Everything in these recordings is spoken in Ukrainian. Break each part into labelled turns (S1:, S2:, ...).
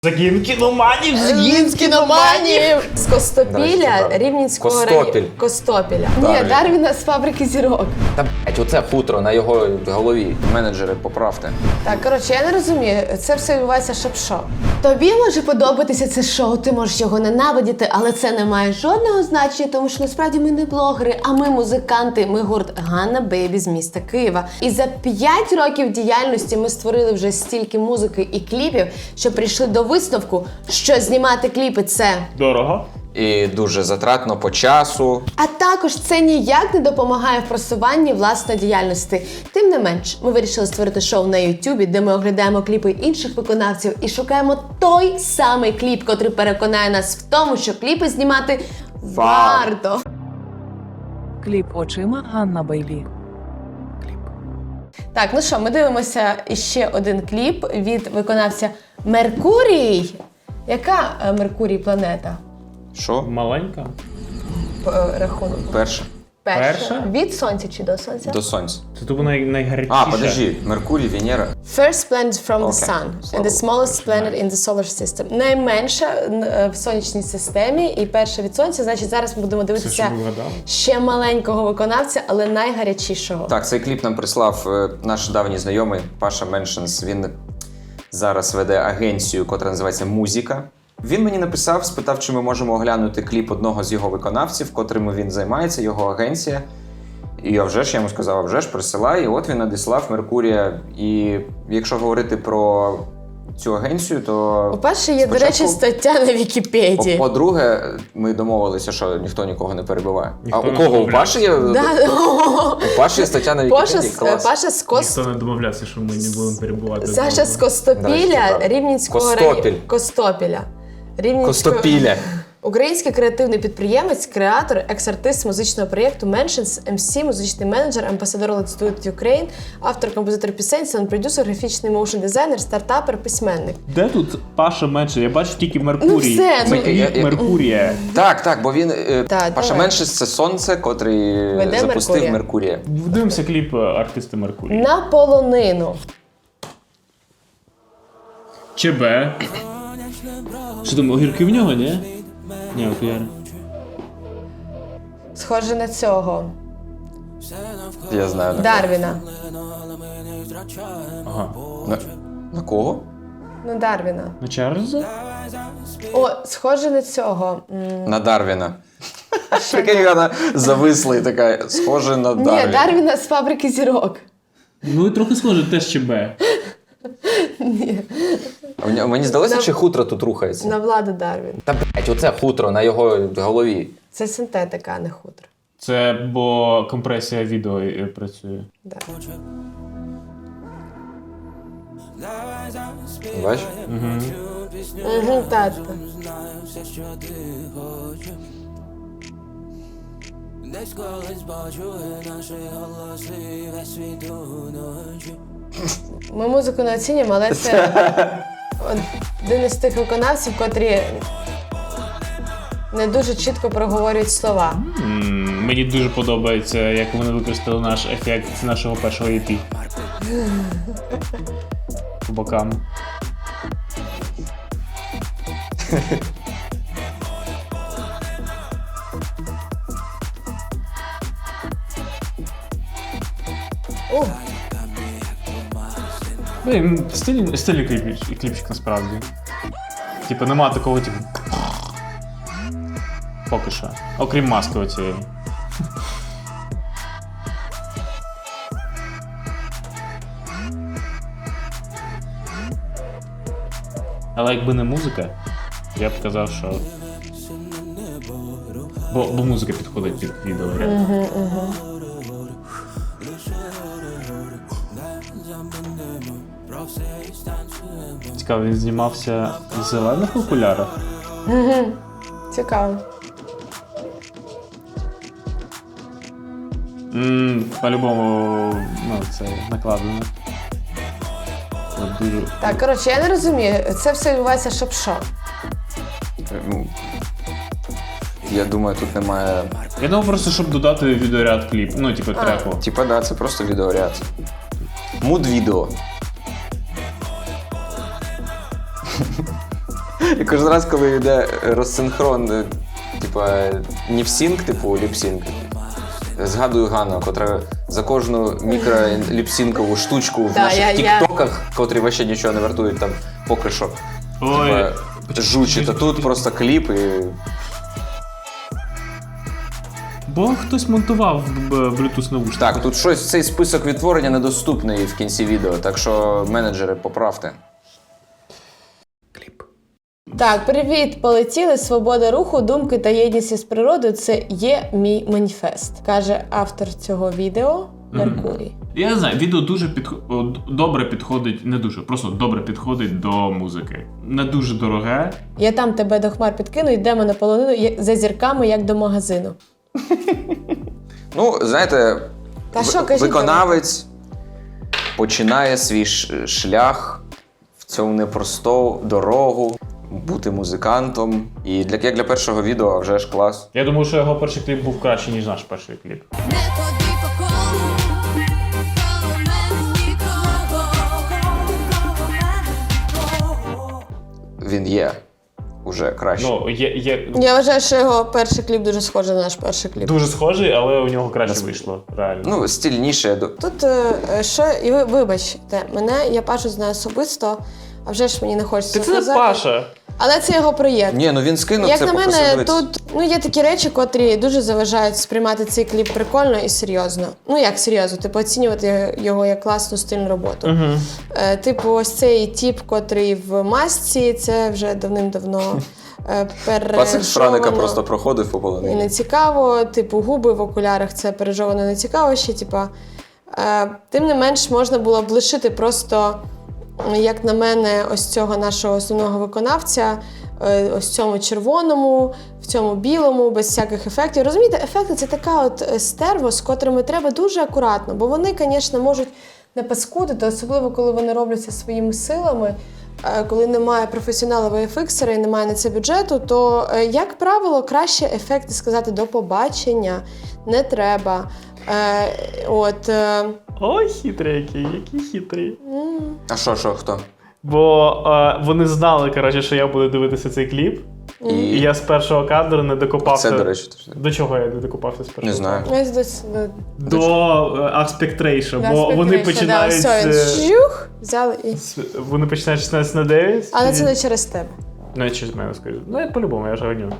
S1: Загін кіноманів!
S2: Загін кіноманів! З Костопіля, Рівненського району. Костопіля. Ні, Дарвіна з фабрики зірок.
S3: Та блять, оце хутро на його голові. Менеджери, поправте.
S2: Так, коротше, я не розумію, це все відбувається щоб-що. Тобі може подобатися це шоу, ти можеш його ненавидіти, але це не має жодного значення, тому що насправді ми не блогери, а ми музиканти, ми гурт Ганна Бейбі з міста Києва. І за 5 років діяльності ми створили вже стільки музики і кліпів, що прийшли до висновку, що знімати кліпи – це
S1: Дорого.
S3: І дуже затратно по часу.
S2: а також це ніяк не допомагає в просуванні власної діяльності. Тим не менш, ми вирішили створити шоу на YouTube, де ми оглядаємо кліпи інших виконавців і шукаємо той самий кліп, котрий переконає нас в тому, що кліпи знімати варто.
S4: Кліп очима Ганна Бейлі.
S2: Так, ну що, ми дивимося іще один кліп від виконавця Меркурій. Яка Меркурій планета?
S3: Що?
S1: Маленька.
S2: По рахунку.
S3: Перше.
S1: Перша?
S2: Від сонця чи до сонця?
S3: До сонця.
S1: Це тупо найгарячіше.
S3: А, подожди. Меркурій, Венера.
S2: First planet from the
S3: Окей.
S2: sun and
S3: Слава
S2: the smallest planet in the solar system. Найменша в сонячній системі і перша від сонця. Значить, зараз ми будемо
S1: Все,
S2: дивитися
S1: що ви вгадали.
S2: ще маленького виконавця, але найгарячішого.
S3: Так, цей кліп нам прислав наш давній знайомий Паша Меншенс. Він зараз веде агенцію, котра називається «Музика». Він мені написав, спитав, чи ми можемо оглянути кліп одного з його виконавців, котрим він займається, його агенція. І я йому сказав, вже ж, присилай. І от він надіслав Меркурія. І якщо говорити про цю агенцію, то...
S2: По-перше, є, до речі,
S3: спочатку-
S2: стаття на Вікіпедії.
S3: По-друге, ми домовилися, що ніхто нікого не перебиває.
S1: Ніхто
S3: А у
S1: не
S3: кого? У
S1: домовлявся.
S3: Паші є? У Паші є стаття на Вікіпедії? Клас.
S2: Паша з
S1: Ніхто не домовлявся, що ми не будемо перебувати.
S2: Саша з
S3: До
S2: Костопіля,
S3: речі, правда.
S2: Рівненського
S3: Костопіль.
S2: району. Костопіля.
S3: Костопіля.
S2: Український креативний підприємець, креатор, екс-артист музичного проєкту Mentions, MC, музичний менеджер, амбасадор Let's Do It Ukraine, автор, композитор пісень, саунд-продюсер, графічний моушн-дизайнер, стартапер, письменник.
S1: Де тут Паша менше? Я бачу тільки Меркурій.
S2: все,
S1: Це
S2: ну,
S1: кліп Меркурія.
S3: Так, бо він...
S2: Так,
S3: Паша
S2: давай.
S3: Меншес – це сонце, котрий
S2: Веде
S3: запустив
S2: Меркурія.
S3: Меркурія.
S1: Дивимося кліп артиста Меркурія.
S2: На полонину.
S1: ЧБ. Що там, огірки в нього, ні? Ні, окуляри.
S2: Схоже на цього.
S3: Я знаю.
S2: Дарвіна.
S1: Ага.
S3: На кого?
S2: Ну, Дарвіна.
S1: На Чарльза?
S2: О, схоже на цього.
S3: На Дарвіна. Прикинь, вона зависла і така, схоже на
S2: Ні,
S3: Дарвіна.
S2: Дарвіна з фабрики зірок.
S1: Ну, і трохи схоже, теж ЧБ.
S3: Мені здалося, чи хутро тут рухається?
S2: На Владу Дарвін.
S3: Та блять, оце хутро на його голові.
S2: Це синтетика, а не хутро.
S1: Це бо компресія відео працює.
S2: Да.
S3: Бачиш?
S2: Угу, так. Ми музику не оцінюємо, але це один із тих виконавців, котрі не дуже чітко проговорюють слова.
S1: Мені дуже подобається, як вони використали наш ефект з нашого першого EP. По бокам.
S2: О,
S1: Блін, стильний кліпчик насправді. Типу, нема такого, типу. Поки що. Окрім маски оцієї. Але якби не музика, я б казав, що. Бо музика підходить під відео. Цікаво, він знімався в зелених окулярах.
S2: цікаво.
S1: По-любому, ну, це накладено. От дуже...
S2: Так, коротше, я не розумію, це все відбувається щоб-що.
S3: Ну, я думаю, тут немає...
S1: Я думав просто, щоб додати відеоряд кліп, ну, типу, треку.
S3: Типа, да, це просто відеоряд. Муд-відео. І кожен раз, коли йде розсинхрон, не в синк, ліпсінк, згадую Ганну, котра за кожну мікроліпсінкову штучку в наших тіктоках, котрі вообще нічого не вартують там поки що.
S1: Ой.
S3: Жучить, а тут просто кліп і...
S1: Бо хтось монтував Bluetooth наушники.
S3: Так, тут щось, цей список відтворення недоступний в кінці відео, так що менеджери, поправте.
S1: Кліп.
S2: Так, привіт, полетіли. Свобода руху, думки та єдність із природою – це є мій маніфест, каже автор цього відео Меркурій.
S1: Я не знаю, відео дуже добре підходить, не дуже, просто добре підходить до музики. Не дуже дороге.
S2: Я там тебе до хмар підкину, йдемо на полонину за зірками, як до магазину.
S3: Ну, знаєте,
S2: Та що, кажіть,
S3: виконавець починає свій шлях в цьому непросту дорогу, бути музикантом. І як для першого відео, а вже ж клас.
S1: Я думаю, що його перший кліп був кращий, ніж наш перший кліп.
S5: Не ходи по колу, коло мене нікого.
S3: Він є уже краще.
S1: Ну, є
S2: Я вважаю, що його перший кліп дуже схожий на наш перший кліп.
S1: дуже схожий, але у нього краще вийшло, реально.
S3: Ну, стильніше.
S2: Тут що, і ви вибачте, я Пашу знаю особисто, а вже ж мені не хочеться
S1: Це не
S2: казати.
S1: Паша.
S2: Але це його проєкт.
S3: Ні, ну він скинув
S2: Як
S3: це
S2: на
S3: попросив
S2: мене,
S3: дивитися.
S2: тут є такі речі, котрі дуже заважають сприймати цей кліп прикольно і серйозно. Ну як серйозно, оцінювати його як класну стильну роботу. Ось цей тіп, котрий в масці, це вже давним-давно
S3: Пацик з Франика
S2: пережовано
S3: просто проходив по
S2: і
S3: полонині.
S2: не цікаво. Губи в окулярах, це пережовано не цікаво ще. Тим не менш, можна було б лишити просто, як на мене, ось цього нашого основного виконавця, ось в цьому червоному, в цьому білому, без всяких ефектів. Розумієте, ефекти – це така от стерво, з котрими треба дуже акуратно, бо вони, звісно, можуть не паскудити, особливо, коли вони робляться своїми силами. Коли немає професіонала VFX-ера і немає на це бюджету, то, як правило, краще ефекти сказати «до побачення» не треба.
S1: Ой, хитрий який хитрий.
S3: А що, хто?
S1: Бо вони знали, коротше, що я буду дивитися цей кліп. І я з першого кадру не докопався.
S3: Це, до речі,
S1: До чого я не докопався з першого
S3: не знаю.
S1: кадру? До Aspect Ratio, бо вони починають...
S2: Взяли і...
S1: Вони починають 16:9.
S2: Але це не через тебе.
S1: Ну, я через мене скажу. Ну, я по-любому, я ж гоню.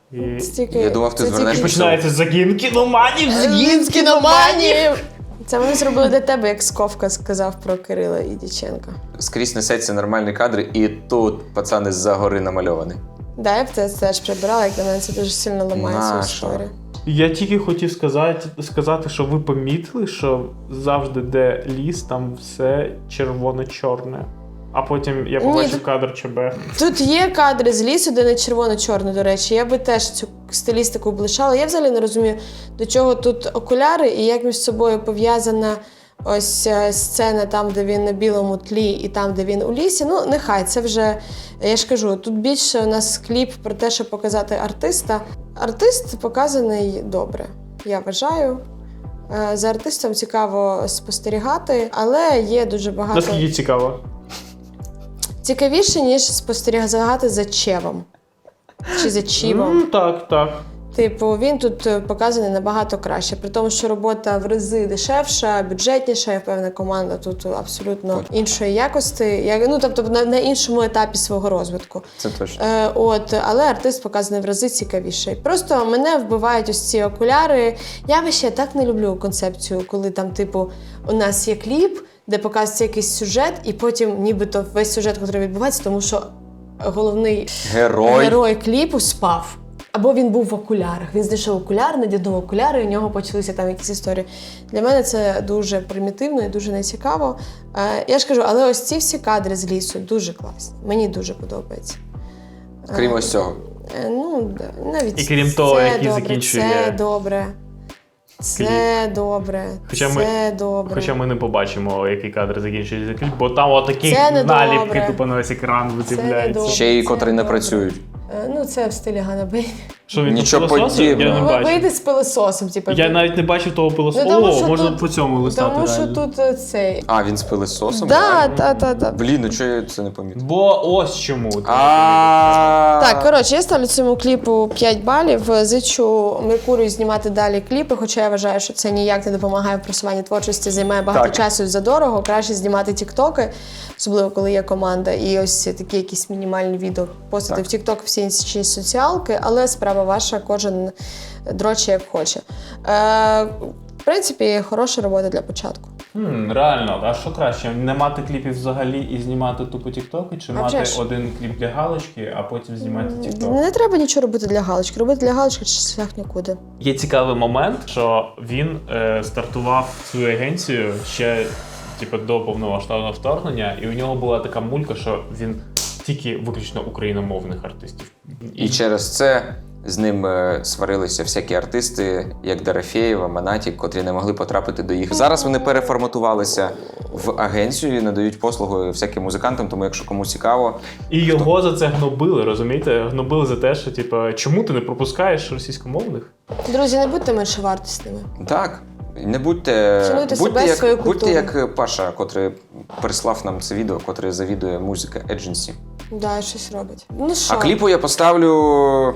S3: Я думав, ти звернеш
S1: І починається загін кіноманів,
S2: Загін кіноманів! Це вони зробили для тебе, як Сковка сказав про Кирила і Дяченка.
S3: Скрізь несеться нормальний кадр, і тут пацани з-за гори намальовані.
S2: Да, я б це теж прибирала, як на мене це дуже сильно ламає цю історію.
S1: Я тільки хотів сказати, що ви помітили, що завжди, де ліс, там все червоно-чорне. А потім я побачив кадр ЧБ.
S2: Тут є кадри з лісу, де не червоно-чорно, до речі. Я би теж цю стилістику б лишала. Я взагалі не розумію, до чого тут окуляри і як між собою пов'язана ось сцена там, де він на білому тлі, і там, де він у лісі. Ну, нехай, це вже, я ж кажу, тут більше у нас кліп про те, щоб показати артиста. Артист показаний добре, я вважаю. За артистом цікаво спостерігати, але є дуже багато...
S1: Наскільки цікаво?
S2: Цікавіше, ніж спостерігати за Чевом. Чи за Чівом.
S1: Так.
S2: Він тут показаний набагато краще. При тому, що робота в рази дешевша, бюджетніша, я впевнена, команда тут абсолютно іншої якості. Тобто на іншому етапі свого розвитку.
S3: Це точно.
S2: Але артист показаний в рази цікавіший. Просто мене вбивають ось ці окуляри. Я ще так не люблю концепцію, коли там, у нас є кліп, де показується якийсь сюжет, і потім нібито весь сюжет, який відбувається, тому що головний герой кліпу спав. Або він був в окулярах. Він знайшов окуляри, надягнув окуляри, і у нього почалися там якісь історії. Для мене це дуже примітивно і дуже нецікаво. Я ж кажу, але ось ці всі кадри з лісу дуже класні. Мені дуже подобається.
S3: Крім ось цього.
S2: Навіть
S1: і крім того, який закінчує...
S2: Це добре. Це добре.
S1: Хоча ми не побачимо, який кадр закінчується кліп, бо там отакі наліпки тупо на весь екран вицепляються.
S3: Ще й котрі не працюють.
S2: Це в стилі Ганна Бейлі.
S1: Що він
S3: Нічого
S1: пилососив? Я не
S3: подібного.
S1: бачив.
S2: Вийди з пилососом, типу.
S1: Я навіть не бачив того пилососу.
S2: Ну, тому
S1: О,
S2: що
S1: можна
S2: тут-
S1: по цьому листати.
S2: Тому що
S1: реально.
S2: тут цей.
S3: А, він з пилососом?
S2: Да.
S3: Блін, ну чого я це не помітив?
S1: Бо ось чому.
S2: Так, коротше, я ставлю цьому кліпу 5 балів. Зичу Меркурію знімати далі кліпи, хоча я вважаю, що це ніяк не допомагає в просуванні творчості, займає багато
S3: Так.
S2: часу і задорого. Краще знімати тіктоки, особливо коли є команда, і ось такі якісь мінімальні відео постати
S3: Так.
S2: в тікток, всі інші соціалки, але справа ваша, кожен дроче як хоче. В принципі, хороша робота для початку.
S1: Реально, а що краще? Не мати кліпів взагалі і знімати тупо тіктоки, чи
S2: А
S1: мати
S2: вже ж.
S1: один кліп для галочки, а потім знімати тікток?
S2: Не треба нічого робити для галочки. Робити для галочки чи шлях нікуди.
S1: Є цікавий момент, що він стартував свою агенцію ще до повномасштабного вторгнення, і у нього була така мулька, що він тільки виключно україномовних артистів.
S3: І через це з ним сварилися всякі артисти, як Дорофєєва, Монатік, котрі не могли потрапити до їх. Зараз вони переформатувалися в агенцію і надають послуги всяким музикантам, тому якщо комусь цікаво.
S1: І його за це гнобили, розумієте? Гнобили за те, що чому ти не пропускаєш російськомовних?
S2: Друзі, не будьте меншовартісними.
S3: Так. Не будьте,
S2: Цінуйте себе, свою культуру.
S3: будьте як Паша, котрий прислав нам це відео, котрий завідує музика Agency.
S2: Да, щось робить. Ну що?
S3: А кліпу я поставлю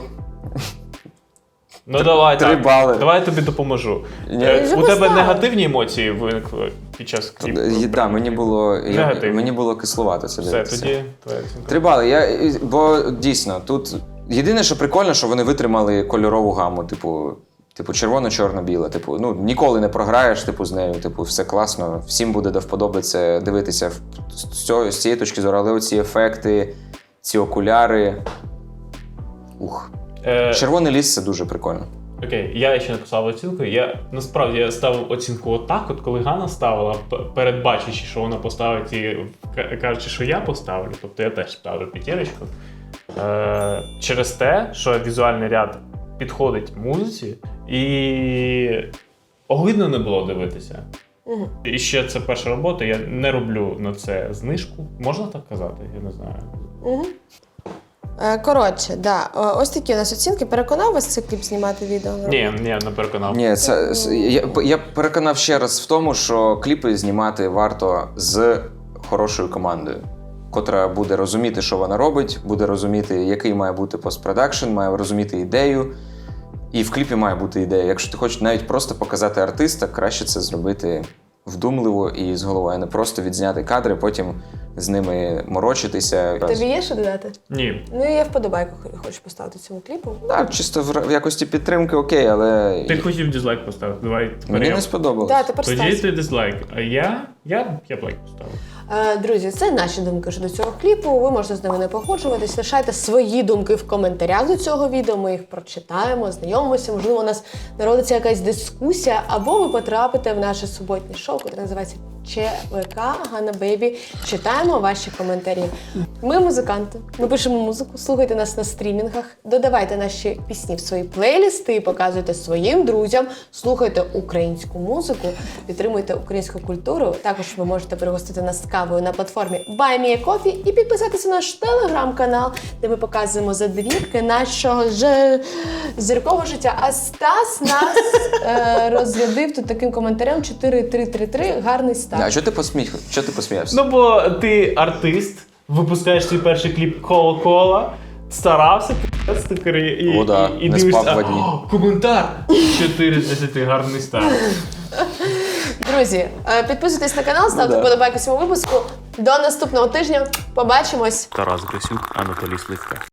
S1: Ну давай
S3: 3
S1: так.
S3: бали.
S1: Давай я тобі допоможу.
S3: Ні.
S2: Вже
S1: У тебе
S2: поставив.
S1: негативні емоції виникли під час кліпу?
S3: Да,
S1: Негативно.
S3: мені було кисловато це
S1: Все,
S3: дивитися.
S1: тоді твоя оцінка.
S3: 3 бали. Бо дійсно, тут єдине, що прикольно, що вони витримали кольорову гаму, типу червоно-чорно-біле. Ну, ніколи не програєш, з нею, все класно. Всім буде до вподоби це дивитися з цієї точки зору, але оці ефекти, ці окуляри. Ух. Червоний ліс це дуже прикольно.
S1: Окей, я ще написав оцінку. Насправді я ставив оцінку отак, от коли Ганна ставила, передбачивши, що вона поставить і кажучи, що я поставлю, тобто я теж ставлю 5. Через те, що візуальний ряд підходить музиці і огидно не було дивитися.
S2: Угу.
S1: І ще це перша робота, я не роблю на це знижку. Можна так казати? Я не знаю.
S2: Угу. Коротше, да. Ось такі у нас оцінки. Переконав вас цей кліп знімати відео?
S1: Ні, не переконав.
S3: Ні, я переконав ще раз в тому, що кліпи знімати варто з хорошою командою, котра буде розуміти, що вона робить, буде розуміти, який має бути постпродакшн, має розуміти ідею. І в кліпі має бути ідея. Якщо ти хочеш навіть просто показати артиста, краще це зробити вдумливо і з головою, а не просто відзняти кадри, потім з ними морочитися.
S2: Тобі є що додати?
S1: Ні.
S2: Ну, я вподобайку хочу поставити цьому кліпу.
S3: Так, чисто в якості підтримки окей, але
S1: Ти хотів дизлайк поставити. Давай тепер
S3: мені
S1: я.
S3: не сподобалось.
S2: Да, тепер
S1: Тоді
S2: Стас.
S1: ти дизлайк, а я б лайк поставив.
S2: Друзі, це наші думки щодо цього кліпу. Ви можете з ними не погоджуватись. Лишайте свої думки в коментарях до цього відео. Ми їх прочитаємо, знайомимося. Можливо, у нас народиться якась дискусія, або ви потрапите в наше суботнє шоу, яке називається ЧВК Ганна Бейбі. Читаємо ваші коментарі. Ми музиканти. Ми пишемо музику. Слухайте нас на стрімінгах. Додавайте наші пісні в свої плейлісти, показуйте своїм друзям. Слухайте українську музику, підтримуйте українську культуру. Також ви можете пригостити нас кавою на платформі Buy Me a Coffee і підписатися на наш телеграм-канал, де ми показуємо задвірки нашого зіркового життя. А Стас нас розрядив тут таким коментарем 4-3-3-3. Гарний старт.
S3: А чого ти посміявся?
S1: Ну, бо ти артист, випускаєш свій перший кліп Кола-Кола, старався, і,
S3: О, да,
S1: і
S3: не
S1: дивишся,
S3: спав 2 дні.
S1: коментар! 4 з 10, гарний старт.
S2: Друзі, підписуйтесь на канал, ставте
S3: да.
S2: вподобайку цьому випуску. До наступного тижня. Побачимось!
S1: Тарас Грисюк, Анатолій Сливка.